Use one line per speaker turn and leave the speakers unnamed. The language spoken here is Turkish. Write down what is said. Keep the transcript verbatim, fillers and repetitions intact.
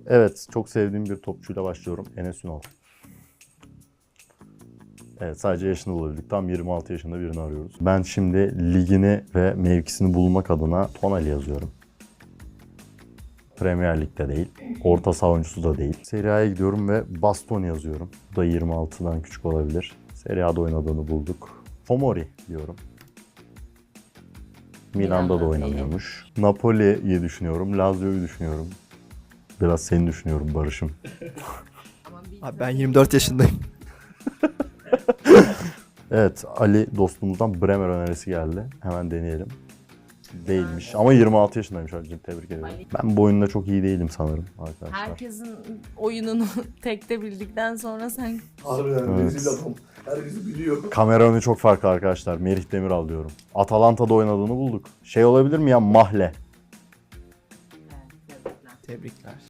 Evet, çok sevdiğim bir topçuyla başlıyorum. Enes Ünal. Evet, sadece yaşını bulabildik. Tam yirmi altı yaşında birini arıyoruz. Ben şimdi ligini ve mevkisini bulmak adına Tonali yazıyorum. Premier Lig'de değil. Orta saha oyuncusu da değil. Serie A'ya gidiyorum ve Bastoni yazıyorum. Bu da yirmi altıdan küçük olabilir. Serie A'da oynadığını bulduk. Tomori diyorum. Milan'da da
Milan'da
oynamıyormuş. Napoli'yi düşünüyorum. Lazio'yu düşünüyorum. Biraz seni düşünüyorum Barış'ım.
Abi ben yirmi dört yaşındayım.
Evet, Ali dostumuzdan Bremer önerisi geldi. Hemen deneyelim. Değilmiş ama yirmi altı yaşındaymış Ali'cim, tebrik ederim.
Ali.
Ben bu oyunda çok iyi değilim sanırım arkadaşlar.
Herkesin oyununu tekte bildikten sonra sen
Harbiden
Evet.
rezil adam. Herkes biliyor.
Kamera önü çok farklı arkadaşlar. Merih Demiral diyorum. Atalanta'da oynadığını bulduk. Şey olabilir mi ya, Mahle?
Tebrikler.